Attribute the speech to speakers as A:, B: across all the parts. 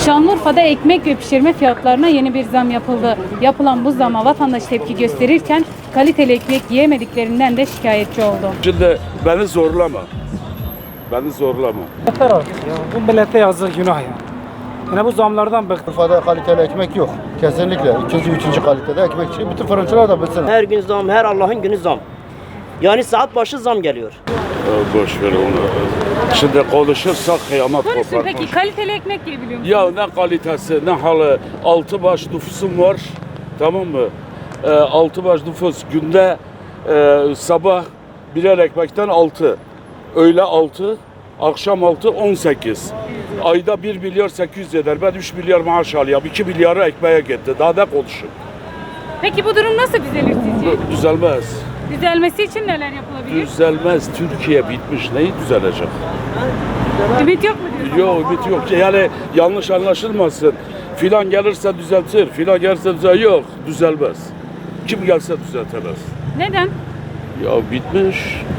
A: Şanlıurfa'da ekmek ve pişirme fiyatlarına yeni bir zam yapıldı. Yapılan bu zama vatandaş tepki gösterirken kaliteli ekmek yiyemediklerinden de şikayetçi oldu.
B: Şimdi beni zorlama. Beni zorlama.
C: Yeter artık ya. Bu millete yazık, günah ya. Yine bu zamlardan bıktık.
D: Urfa'da kaliteli ekmek yok. Kesinlikle. İkinci, üçüncü kalitede ekmek çıkıyor. Bütün fırıncılar da bilsin.
E: Her gün zam, her Allah'ın günü zam. Yani saat başı zam geliyor.
B: Boş ver onu. Şimdi konuşursak kıyamet
A: Konuşun
B: kopar.
A: peki kaliteli ekmek yiyebiliyor musunuz?
B: Ya ne kalitesi ne halı. 6 baş nüfusum var. Tamam mı? 6 baş nüfus günde sabah birer ekmekten 6. Öğle 6. Akşam 6, 18. Ayda 1 milyar 800 eder. Ben 3 milyar maaş alıyorum. 2 milyarı ekmeğe gitti. Daha ne konuşun?
A: Peki bu durum nasıl düzelir sizce?
B: Düzelmez.
A: Düzelmesi için neler yapılabilir?
B: Düzelmez. Türkiye bitmiş. Neyi düzelecek?
A: Ümit yok mu diyorsun?
B: Yok, ümit yok. Yani yanlış anlaşılmasın. Filan gelirse düzeltir. Filan gelirse düzeltir. Yok, düzelmez. Kim gelse düzeltemez.
A: Neden?
B: Ya bitmiş.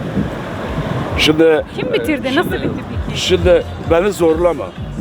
B: Şimdi
A: Kim bitirdi? Nasıl bitirdi ki?
B: Şimdi beni zorlama.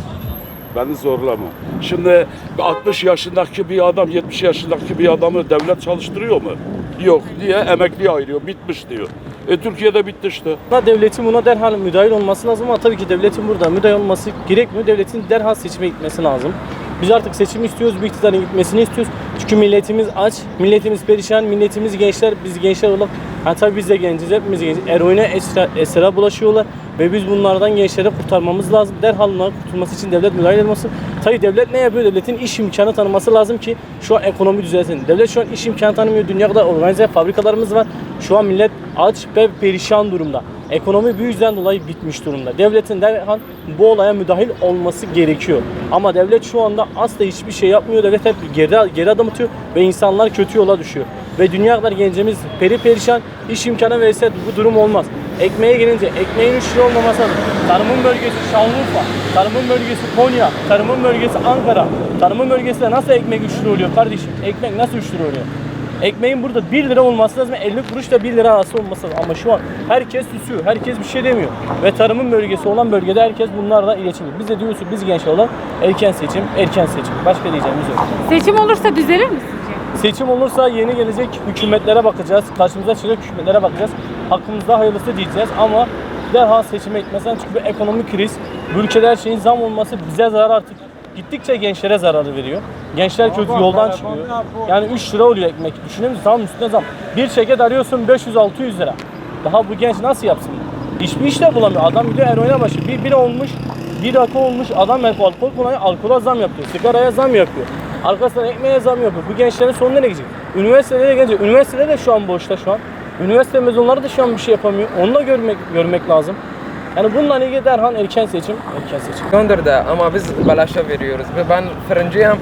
B: Beni zorlama. Şimdi 60 yaşındaki bir adam 70 yaşındaki bir adamı devlet çalıştırıyor mu? Yok diye emekliye ayırıyor. Bitmiş diyor. Türkiye'de bitti işte.
F: Devletin buna derhal müdahil olması lazım ama tabii ki devletin burada müdahil olması gerekmiyor. Devletin derhal seçime gitmesi lazım. Biz artık seçimi istiyoruz, bir iktidarın gitmesini istiyoruz. Çünkü milletimiz aç, milletimiz perişan, milletimiz gençler, biz gençler olarak, yani tabii biz de genciz, hepimiz genciz. Eroine, esra bulaşıyorlar ve biz bunlardan gençleri kurtarmamız lazım. Derhal bunların kurtulması için devlet müdahil etmesi. Tabii devlet ne yapıyor? Devletin iş imkanı tanıması lazım ki şu an ekonomi düzelsin. Devlet şu an iş imkanı tanımıyor. Dünyada organize fabrikalarımız var. Şu an millet aç ve perişan durumda. Ekonomi bu yüzden dolayı bitmiş durumda. Devletin derhal bu olaya müdahil olması gerekiyor. Ama devlet şu anda asla hiçbir şey yapmıyor. Devlet hep geri adım atıyor ve insanlar kötü yola düşüyor. Ve dünya kadar gencimiz perişan, iş imkanı verirse bu durum olmaz. Ekmeğe gelince ekmeğin 3 lira olmaması lazım. Tarımın bölgesi Şanlıurfa, tarımın bölgesi Konya, tarımın bölgesi Ankara. Tarımın bölgesinde nasıl ekmek 3 lira oluyor kardeşim? Ekmek nasıl 3 lira oluyor? Ekmeğin burada 1 lira olması lazım, 50 kuruş da 1 lira arası olması lazım. Ama şu an herkes susuyor, herkes bir şey demiyor. Ve tarımın bölgesi olan bölgede herkes bunlarla iletişim. Biz de diyoruz ki biz gençler olan erken seçim, erken seçim. Başka diyeceğimiz yok.
A: Seçim olursa düzelir mi sizce?
F: Seçim olursa yeni gelecek hükümetlere bakacağız. Karşımıza çıkacak hükümetlere bakacağız. Hakkımızda hayırlısı diyeceğiz ama derhal seçime gitmesinden çünkü bir ekonomik kriz. Bu ülkede her şeyin zam olması bize zarar artık. Gittikçe gençlere zararı veriyor. Gençler kötü yoldan çıkıyor. Yani 3 lira oluyor ekmek. Düşünün zam üstüne zam. Bir şeket arıyorsun 500-600 lira. Daha bu genç nasıl yapsın? Hiçbir iş de bulamıyor. Adam gidiyor eroine başı. Bir bira olmuş, bir rakı olmuş. Adam alkol kullanıyor, alkola zam yapıyor. Sigaraya zam yapıyor. Arkasından ekmeğe zam yapıyor. Bu gençlerin sonu nereye gidecek? Üniversitelere gelecek. Üniversiteler de şu an boşta şu an. Üniversite mezunları da şu an bir şey yapamıyor. Onu da görmek lazım. Yani bununla ilgili derhal erken seçim.
G: Kondur da ama biz belaşa veriyoruz. Ve ben fırıncıyım.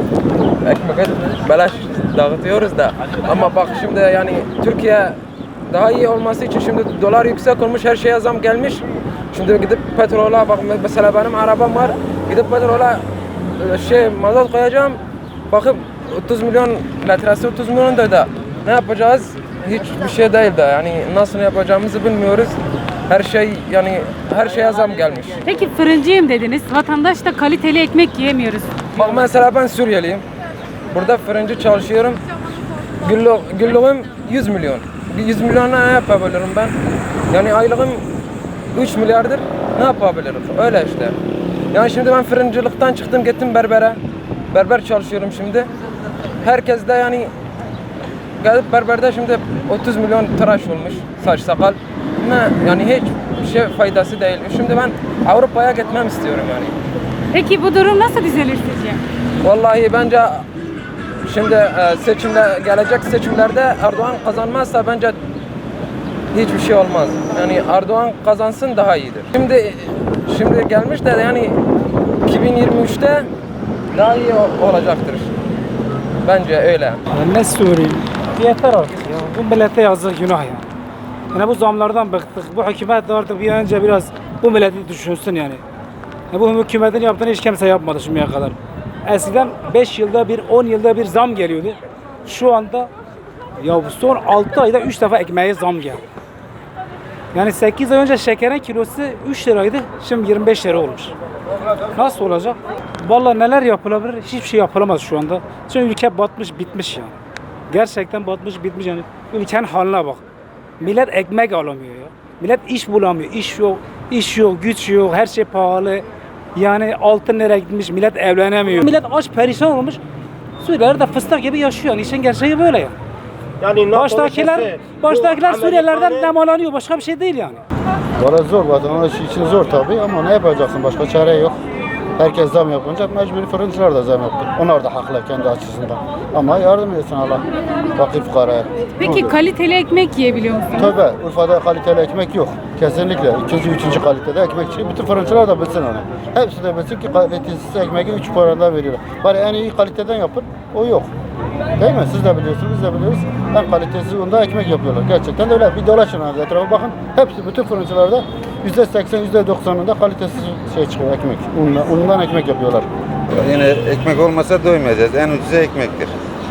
G: Ekmek belaş dağıtıyoruz da. Ama bak şimdi yani Türkiye daha iyi olması için şimdi dolar yüksek olmuş, her şeye zam gelmiş. Şimdi gidip petrola bak mesela benim arabam var. Gidip petrola mazot koyacağım. Bakıp 30 milyon litresi 30 milyon da ne yapacağız? Hiçbir şey değil de yani nasıl yapacağımızı bilmiyoruz. Her şey yani her şeye zam gelmiş.
A: Peki fırıncıyım dediniz. Vatandaş da kaliteli ekmek yiyemiyoruz.
G: Bak mesela ben Suriyeliyim. Burada fırıncı çalışıyorum. Günlüğüm 100 milyon. 100 milyonla ne yapabilirim ben? Yani aylığım 3 milyardır. Ne yapabilirim? Öyle işte. Yani şimdi ben fırıncılıktan çıktım gittim berbere. Berber çalışıyorum şimdi. Herkes de yani gelip berberde şimdi 30 milyon tıraş olmuş saç sakal. Ne yani hiç şey faydası değil. Şimdi ben Avrupa'ya gitmem istiyorum yani.
A: Peki bu durum nasıl düzelir sizce?
G: Vallahi bence şimdi gelecek seçimlerde Erdoğan kazanmazsa bence hiçbir şey olmaz. Yani Erdoğan kazansın daha iyidir. Şimdi gelmiş de yani 2023'te daha iyi olacaktır. Bence öyle.
C: Yani ne söyleyeyim? Yeter artık ya. Bu millete yazık, günah ya. Yani bu zamlardan bıktık. Bu hükümet de artık bir an önce biraz bu milleti düşünsün yani. Bu hükümetin yaptığını hiç kimse yapmadı şimdiye kadar. Eskiden 5 yılda bir, 10 yılda bir zam geliyordu. Şu anda ya son 6 ayda 3 defa ekmeğe zam geldi. Yani 8 ay önce şekerin kilosu 3 liraydı. Şimdi 25 lira olmuş. Nasıl olacak? Vallahi neler yapılabilir? Hiçbir şey yapılamaz şu anda. Çünkü ülke batmış bitmiş yani. Gerçekten batmış bitmiş yani. Ülkenin haline bak. Millet ekmek alamıyor ya. Millet iş bulamıyor. İş yok, güç yok. Her şey pahalı. Yani altın nereye gitmiş? Millet evlenemiyor. Millet aç perişan olmuş. Suriyeliler de fıstık gibi yaşıyor. Yani işin gerçeği böyle yani.
H: Yani
C: Baştakiler Suriyelilerden nemalanıyor. Başka bir şey değil yani.
D: Valla zor, vatandaş için zor tabii ama ne yapacaksın? Başka çare yok. Herkes zam yapınca mecburi fırıncılar da zam yaptı. Onlar da haklı kendi açısından. Ama yardım etsin Allah fakir fukaraya.
A: Peki kaliteli ekmek yiyebiliyor musunuz?
D: Tabii Urfa'da kaliteli ekmek yok. Kesinlikle. İkinci, üçüncü kalitede ekmek çıkıyor. Bütün fırıncılar da bilsin onu. Hepsi de bilsin ki kalitesiz ekmeği 3 paradan veriyorlar. Bari en iyi kaliteden yapın. O yok. Değil mi? Siz de biliyorsunuz, biz de biliyoruz. En kalitesiz onda ekmek yapıyorlar. Gerçekten de öyle. Bir dolaşın abi etrafa bakın. Hepsi bütün fırıncılarda %80, %90'ında kalitesiz şey çıkıyor ekmek. Unundan ekmek yapıyorlar.
I: Yine ekmek olmasa doymayacağız. En ucuzu ekmektir.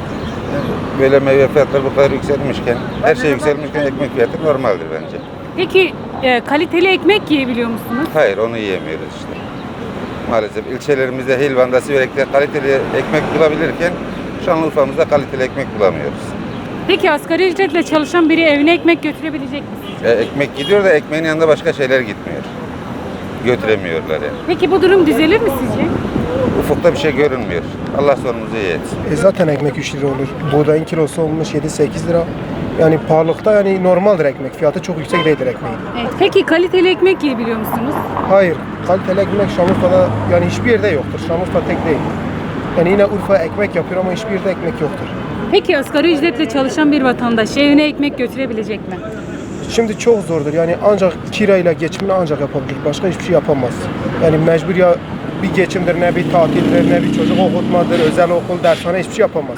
I: Böyle meyve fiyatları bu kadar yükselmişken, her şey yükselmişken ekmek fiyatı normaldir bence.
A: Peki kaliteli ekmek yiyebiliyor musunuz?
I: Hayır, onu yiyemiyoruz işte. Maalesef ilçelerimizde Hilvan'da, Siverek'te kaliteli ekmek bulabilirken Şanlıurfa'mızda kaliteli ekmek bulamıyoruz.
A: Peki asgari ücretle çalışan biri evine ekmek götürebilecek mi sizce?
I: Ekmek gidiyor da ekmeğin yanında başka şeyler gitmiyor. Götüremiyorlar yani.
A: Peki bu durum düzelir mi sizce?
I: Ufukta bir şey görünmüyor. Allah sonumuzu iyi etsin.
H: Zaten ekmek 3 lira olur. Buğdayın kilosu olmuş 7-8 lira. Yani pahalılıkta yani normaldir ekmek. Fiyatı çok yüksek değildir ekmeğin.
A: Evet. Peki kaliteli ekmek yiyebiliyor musunuz?
H: Hayır. Kaliteli ekmek Şanlıurfa'da yani hiçbir yerde yoktur. Şanlıurfa tek değil. Yani yine Urfa ekmek yapıyor ama hiçbir yerde ekmek yoktur.
A: Peki asgari ücretle çalışan bir vatandaş evine ekmek götürebilecek mi?
H: Şimdi çok zordur. Yani ancak kirayla geçimini ancak yapabilir. Başka hiçbir şey yapamaz. Yani mecbur ya bir geçimdir, ne bir tatildir, ne bir çocuk okutmadır, özel okul, dershane hiçbir şey yapamaz.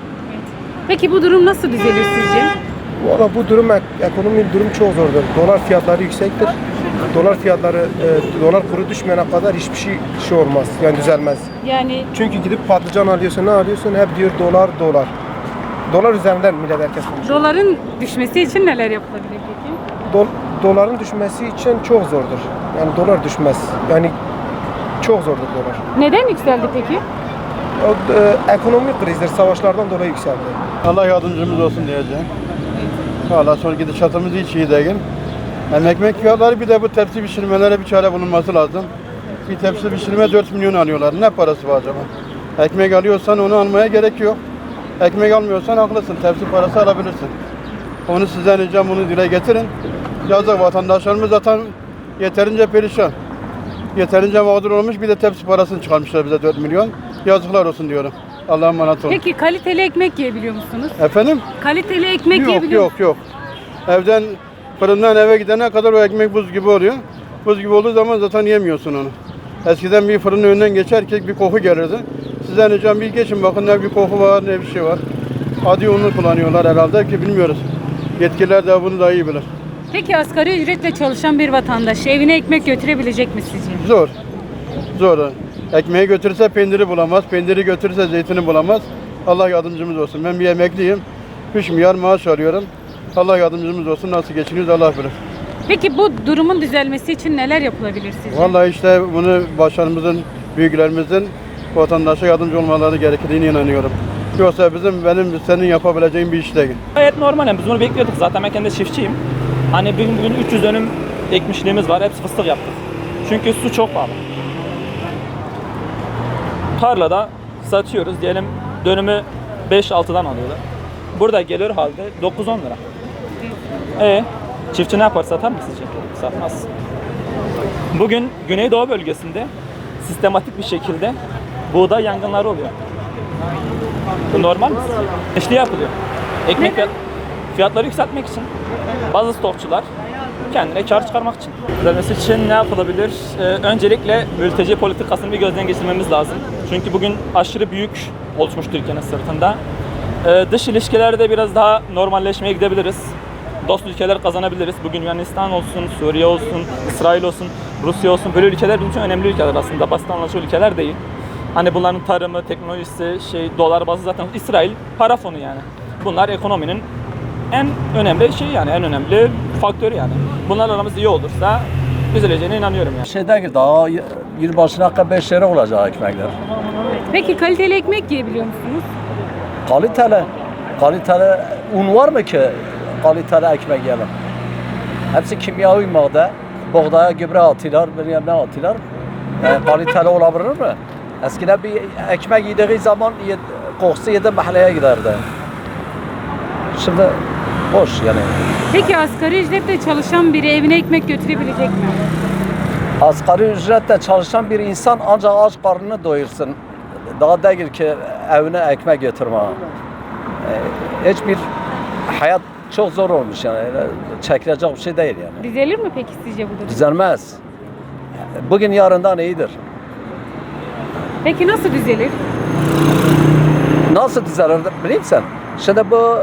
A: Peki bu durum nasıl düzelir sizce?
H: Valla bu durum, ekonomi durum çok zordur. Dolar fiyatları yüksektir. Dolar fiyatları, dolar kuru düşmeyene kadar hiçbir şey olmaz. Yani düzelmez.
A: Yani
H: Çünkü gidip patlıcan alıyorsun, ne alıyorsun? Hep diyor dolar, dolar. Dolar üzerinden millet herkes konuşuyor.
A: doların düşmesi için neler yapılabilir peki?
H: Doların düşmesi için çok zordur. Yani dolar düşmez. Yani çok zordur dolar.
A: Neden yükseldi peki?
H: Ekonomik krizdir, savaşlardan dolayı yükseldi.
J: Allah yardımcımız olsun diyeceğim. Valla sonra gidişatımız hiç iyi değil. Hem ekmek fiyatları bir de bu tepsi pişirmelere bir çare bulunması lazım. Bir tepsi pişirme 4 milyon alıyorlar. Ne parası var acaba? Ekmek alıyorsan onu almaya gerek yok. Ekmek almıyorsan haklısın. Tepsi parası alabilirsin. Onu sizden ricam, bunu dile getirin. Yazık, vatandaşlarımız zaten yeterince perişan. Yeterince mağdur olmuş, bir de tepsi parasını çıkarmışlar bize 4 milyon. Yazıklar olsun diyorum. Allah'a emanet olun.
A: Peki kaliteli ekmek yiyebiliyor musunuz?
J: Efendim?
A: Kaliteli ekmek
J: Yok
A: yiyebiliyor
J: yok yok. Evden, fırından eve gidene kadar o ekmek buz gibi oluyor. Buz gibi olduğu zaman zaten yemiyorsun onu. Eskiden bir fırının önünden geçerken bir koku gelirdi. Sizden ricam bir geçin bakın, ne bir koku var ne bir şey var. Adi unu kullanıyorlar herhalde ki bilmiyoruz. Yetkililer de bunu daha iyi bilir.
A: Peki asgari ücretle çalışan bir vatandaş evine ekmek götürebilecek mi sizce?
J: Zor. Zor. Ekmeği götürürse peyniri bulamaz. Peyniri götürürse zeytini bulamaz. Allah yardımcımız olsun. Ben bir emekliyim. 3 milyar maaş alıyorum. Allah yardımcımız olsun. Nasıl geçiniyoruz Allah bilir.
A: Peki bu durumun düzelmesi için neler yapılabilir sizce?
J: Vallahi işte bunu başkanımızın, büyüklerimizin vatandaşa yardımcı olmaları gerektiğine inanıyorum. Yoksa senin yapabileceğin bir iş değil.
F: Gayet normal yani biz bunu bekliyorduk zaten ben kendi çiftçiyim. Hani bugün 300 dönüm ekmişliğimiz var, hepsi fıstık yaptık. Çünkü su çok pahalı. Tarlada satıyoruz diyelim dönümü 5-6'dan alıyorlar. Burada geliyor halde 9-10 lira. Çiftçi ne yapar, satar mı sizce? Satmaz. Bugün Güneydoğu bölgesinde sistematik bir şekilde buğday yangınları oluyor. Bu normal mi sizce? İşte yapılıyor. Ekmek fiyatları yükseltmek için. Bazı stokçular kendine kar çıkarmak için. Düzelmesi için ne yapılabilir? Öncelikle mülteci politikasını bir gözden geçirmemiz lazım. Çünkü bugün aşırı büyük oluşmuş Türkiye'nin sırtında. Dış ilişkilerde biraz daha normalleşmeye gidebiliriz. Dost ülkeler kazanabiliriz. Bugün Yunanistan olsun, Suriye olsun, İsrail olsun, Rusya olsun. Böyle ülkeler bizim için önemli ülkeler aslında. Basit anlaşılır ülkeler değil. Hani bunların tarımı, teknolojisi, dolar bazı zaten İsrail para fonu yani. Bunlar ekonominin en önemli şey yani en önemli faktörü yani. Bunlarla aramız iyi olursa düzeleceğine inanıyorum yani.
K: Şey değil, daha yılbaşına kadar 5 lira olacak ekmekler.
A: Peki kaliteli ekmek yiyebiliyor musunuz?
K: Kaliteli un var mı ki kaliteli ekmek yiyelim? Hepsi kimyavi madde. Buğdaya gübre atıyorlar, bilmem ne atıyorlar. Kaliteli olabilir mi? Eskiden bir ekmek yediği zaman kokusu yedi mahalleye giderdi. Şimdi boş yani.
A: Peki asgari ücretle çalışan biri evine ekmek götürebilecek mi?
K: Asgari ücretle çalışan bir insan ancak aç karnını doyursun. Daha değil ki evine ekmek götürme. Hiçbir hayat çok zor olmuş yani. Çekilecek bir şey değil yani.
A: Düzelir mi peki sizce bu durum?
K: Düzelmez. Bugün yarından iyidir.
A: Peki nasıl düzelir?
K: Nasıl düzelir biliyor musun? Şimdi bu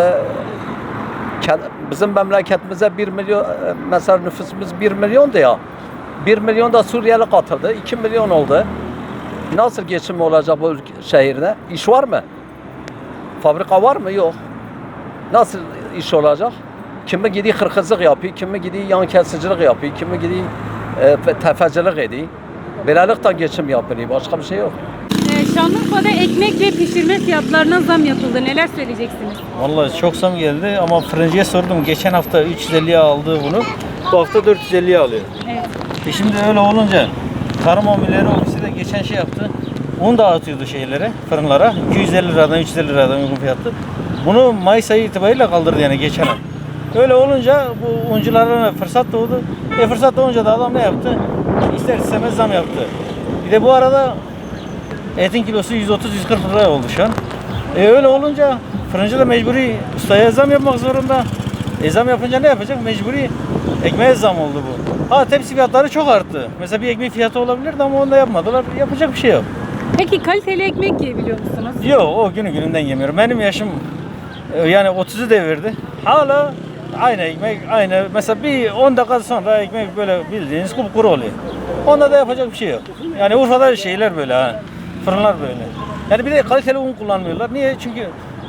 K: bizim memleketimize 1 milyon mesela nüfusumuz 1 milyondu ya. 1 milyon da Suriyeli katıldı. 2 milyon oldu. Nasıl geçim olacak bu şehirde? İş var mı? Fabrika var mı? Yok. Nasıl iş olacak? Kimi gidiyor hırkızlık yapıyor, kimi gidiyor yan kesicilik yapıyor, kimi gidiyor tefecilik ediyor. Böylelikle geçim yapılıyor. Başka bir şey yok.
A: Şanlıurfa'da ekmek ve pişirme fiyatlarına zam yapıldı. Neler söyleyeceksiniz?
L: Vallahi çok zam geldi ama fırıncıya sordum. Geçen hafta 350'ye aldı bunu. Bu hafta 450'ye alıyor.
A: Evet.
L: Şimdi öyle olunca Tarım Amirleri Ofisi de geçen şey yaptı. Un dağıtıyordu şeylere, fırınlara. 250 liradan 350 liradan uygun fiyatlı. Bunu Mayıs ayı itibariyle kaldırdı yani geçen ay. Öyle olunca bu unculara fırsat doğdu. Fırsat doğunca da adam ne yaptı? İster istemez zam yaptı. Bir de bu arada etin kilosu 130-140 lira oldu şu an. Öyle olunca fırıncı da mecburi ustaya zam yapmak zorunda. Zam yapınca ne yapacak? Mecburi ekmeğe zam oldu bu. Ha tepsi fiyatları çok arttı. Mesela bir ekmek fiyatı olabilirdi ama onu da yapmadılar. Yapacak bir şey yok.
A: Peki kaliteli ekmek yiyebiliyor musunuz?
L: Yok o günü gününden yemiyorum. Benim yaşım yani 30'u devirdi. Hala aynı ekmek aynı. Mesela bir 10 dakika sonra ekmek böyle bildiğiniz kupkuru oluyor. Onda da yapacak bir şey yok. Yani Urfa'da şeyler böyle ha. Fırınlar böyle. Yani bir de kaliteli un kullanmıyorlar. Niye? Çünkü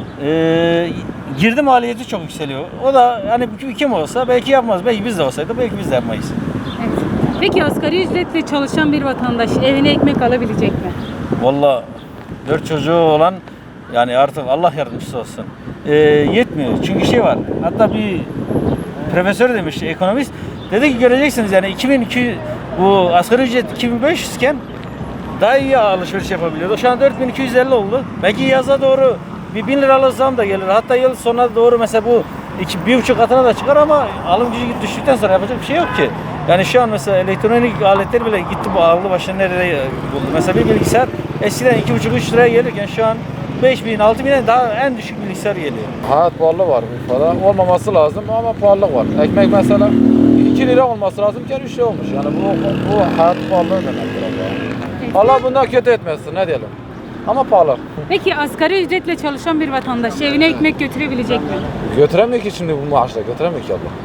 L: girdi maliyeti çok yükseliyor. O da hani kim olsa belki yapmaz. Belki biz de olsaydı belki biz de yapmayız.
A: Evet. Peki asgari ücretle çalışan bir vatandaş evine ekmek alabilecek mi?
L: Vallahi 4 çocuğu olan yani artık Allah yardımcısı olsun. Yetmiyor. Çünkü şey var. Hatta bir profesör demiş, ekonomist. Dedi ki göreceksiniz yani 2200 bu asgari ücret 2500 iken daha iyi alışveriş yapabiliyordu. Şu an 4250 oldu. Belki yaza doğru bir 1000 liralık zam da gelir. Hatta yıl sonuna doğru mesela bu 1,5 katına da çıkar ama alım gücü düştükten sonra yapacak bir şey yok ki. Yani şu an mesela elektronik aletler bile gitti bu ağırlı başına nerede buldu. Mesela bir bilgisayar eskiden 2,5-3 liraya gelirken şu an 5.000-6.000'e daha en düşük bilgisayar geliyor.
M: Hayat pahalı var Urfa'da. Olmaması lazım ama pahalılık var. Ekmek mesela 2 lira olması lazımken 3 lira olmuş. Yani bu hayat pahalılığı demektir Allah. Allah bundan kötü etmesin ne diyelim. Ama pahalı.
A: Peki asgari ücretle çalışan bir vatandaş evine ekmek götürebilecek mi?
M: Götüremiyor ki şimdi bu maaşla. Götüremiyor ki abla.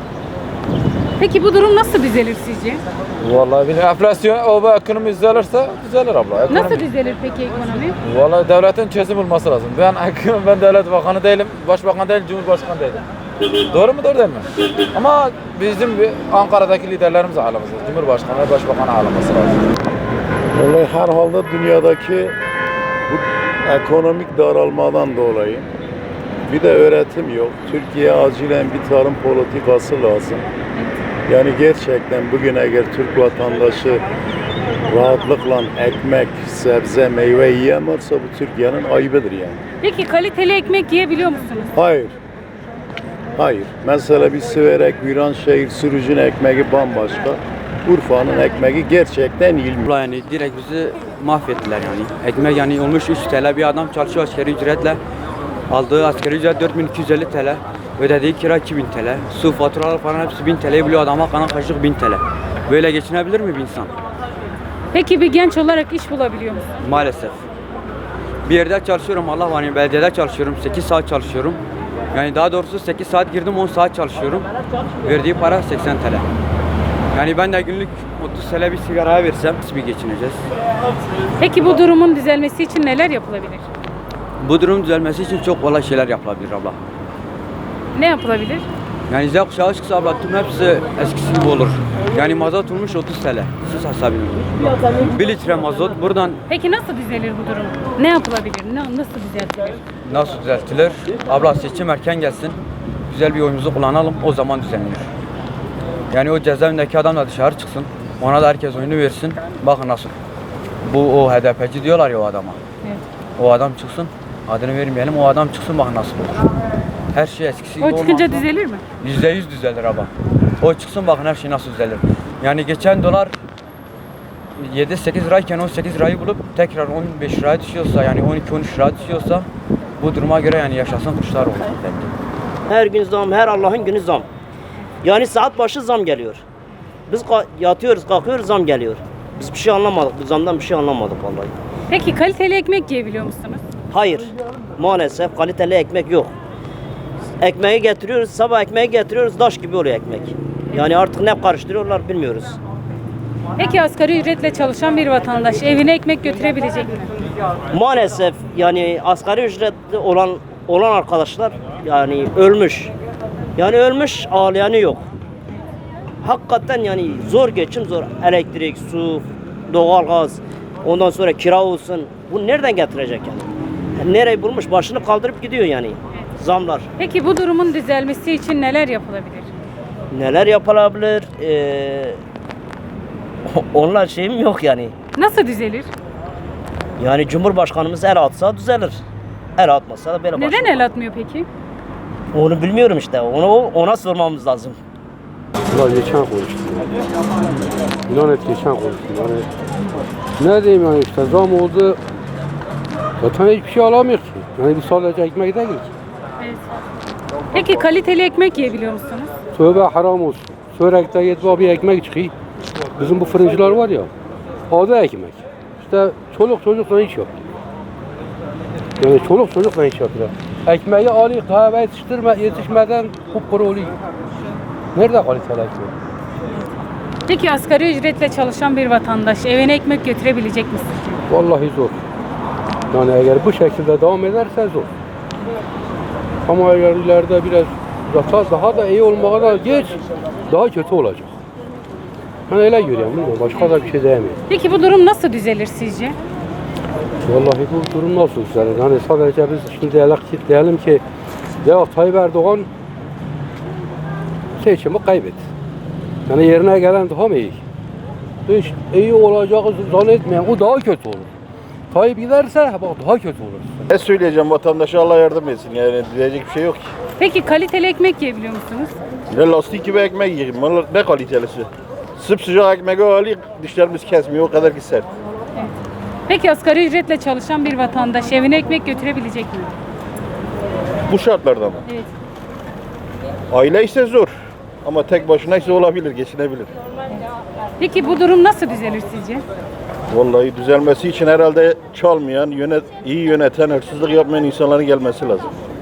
A: Peki bu durum nasıl düzelir sizce?
M: Vallahi bir enflasyon, ekonomi düzelirse düzelir abla. Ekonomi.
A: Nasıl düzelir peki ekonomi?
M: Vallahi devletin çözüm bulması lazım. Ben devlet bakanı değilim, başbakan değilim, cumhurbaşkanı değilim. Doğru mu doğru değil mi? Ama bizim Ankara'daki liderlerimiz ağlaması, cumhurbaşkanı ve başbakanı ağlaması lazım.
N: Vallahi herhalde dünyadaki bu ekonomik daralmadan dolayı bir de öğretim yok. Türkiye acilen bir tarım politikası lazım. Yani gerçekten bugün eğer Türk vatandaşı rahatlıkla ekmek, sebze, meyve yiyemezse bu Türkiye'nin ayıbıdır yani.
A: Peki kaliteli ekmek yiyebiliyor musunuz?
N: Hayır. Hayır. Mesela bir Siverek, Viranşehir, Sürücü'nün ekmeği bambaşka. Urfa'nın ekmeği gerçekten ilmi.
O: Yani direkt bizi mahvettiler yani. Ekmek yani olmuş 3 TL bir adam çalışıyor asgari ücretle. Aldığı asgari ücret 4250 TL. Ödediği kira 2000 TL. Su faturaları falan hepsi 1000 TL'yi buluyor adama kalan kaşık 1000 TL. Böyle geçinebilir mi bir insan?
A: Peki bir genç olarak iş bulabiliyor musunuz?
O: Maalesef. Bir yerde çalışıyorum Allah var yani belediyede çalışıyorum 8 saat çalışıyorum. Yani daha doğrusu 8 saat girdim 10 saat çalışıyorum. Verdiği para 80 TL. Yani ben de günlük 30 TL bir sigaraya versem nasıl bir geçineceğiz?
A: Peki bu durumun düzelmesi için neler yapılabilir?
O: Bu durum düzelmesi için çok kolay şeyler yapılabilir abla.
A: Ne yapılabilir?
O: Yani Z kuşağı çıksa abla tüm hepsi eskisi gibi olur. Yani mazot olmuş 30 TL. Siz hesabı. 1 litre mazot buradan
A: Peki nasıl düzelir bu durum? Ne yapılabilir? Nasıl düzeltilir?
O: nasıl düzeltilir? Abla seçim erken gelsin. Güzel bir oyumuzu kullanalım. O zaman düzenlenir. Yani o cezaevindeki adam da dışarı çıksın. Ona da herkes oyunu versin. Bakın nasıl. Bu o HDP'ci diyorlar ya o adama.
A: Evet.
O: O adam çıksın. Adını vermeyelim. O adam çıksın bakın nasıl olur. Her şey eskisi gibi
A: O çıkınca
O: olmazsa
A: düzelir mi?
O: %100 düzelir abla. O çıksın bakın her şey nasıl düzelir. Yani geçen dolar 7-8 lirayken 18 lirayı bulup tekrar 15 liraya düşüyorsa yani 12-13 liraya düşüyorsa bu duruma göre yani yaşasın kuşlar olur.
E: Her gün zam, her Allah'ın günü zam. Yani saat başı zam geliyor. Biz yatıyoruz, kalkıyoruz, zam geliyor. Biz bir şey anlamadık, bu zamdan bir şey anlamadık vallahi.
A: Peki kaliteli ekmek yiyebiliyor musunuz?
E: Hayır, maalesef kaliteli ekmek yok. Ekmeği getiriyoruz, sabah ekmeği getiriyoruz, taş gibi oluyor ekmek. Yani artık ne karıştırıyorlar bilmiyoruz.
A: Peki asgari ücretle çalışan bir vatandaş evine ekmek götürebilecek mi?
E: Maalesef yani asgari ücretli olan arkadaşlar yani ölmüş. Yani ölmüş, ağlayanı yok. Hakikaten yani zor geçim zor. Elektrik, su, doğalgaz, ondan sonra kira olsun. Bu nereden getirecek yani? Nereyi bulmuş başını kaldırıp gidiyor yani. Zamlar.
A: Peki bu durumun düzelmesi için neler yapılabilir?
E: Neler yapılabilir? Onlar şeyim yok yani.
A: Nasıl düzelir?
E: Yani Cumhurbaşkanımız el atsa düzelir. El atmasa da böyle
A: Neden el atmıyor peki?
E: Onu bilmiyorum işte. Ona sormamız lazım.
P: Ulan geçen konuştum. Lanet geçen konuştum. Yani ne diyeyim yani işte zam oldu. Zaten hiçbir şey alamıyor ki. Yani bir sadece ekmek değil ki.
A: Evet. Peki kaliteli ekmek yiyebiliyor musunuz?
P: Tövbe haram olsun. Sörek'te yetme bir ekmek çıkıyor. Bizim bu fırıncılar var ya. Adı ekmek. İşte çoluk çocukla iş yapıyor. Yani çoluk çocukla iş yapıyor. Ekmeği alıyor, kahve yetişmeden kupkuru oluyor. Nerede kaliteli ekmek?
A: Peki asgari ücretle çalışan bir vatandaş evine ekmek götürebilecek mi sizce?
P: Vallahi zor. Yani eğer bu şekilde devam ederse zor. Ama eğer ileride biraz daha da iyi olmaya da geç, daha kötü olacak. Ben öyle görüyorum, bilmiyorum. Başka da bir şey diyemiyorum.
A: Peki bu durum nasıl düzelir sizce?
P: Vallahi bu durum nasıl düzelir? Yani sadece biz şimdi diyelim ki ya Tayyip Erdoğan seçimi kaybetti. Yani yerine gelen daha mı iyi? Hiç iyi olacağını zannetmeyen o daha kötü olur. Tayyip giderse bak daha kötü olur.
J: Ne söyleyeceğim, vatandaşa Allah yardım etsin, yani diyecek bir şey yok ki.
A: Peki kaliteli ekmek yiyebiliyor musunuz?
J: Ne lastik gibi ekmek yiyeyim, ne kalitelisi. Sıcak ekmeği alayım, dişlerimiz kesmiyor, o kadar ki sert.
A: Peki asgari ücretle çalışan bir vatandaş evine ekmek götürebilecek mi?
J: Bu şartlarda mı?
A: Evet.
J: Aile ise zor. Ama tek başına ise olabilir, geçinebilir.
A: Peki bu durum nasıl düzelir sizce?
J: Vallahi düzelmesi için herhalde çalmayan, iyi yöneten, hırsızlık yapmayan insanların gelmesi lazım.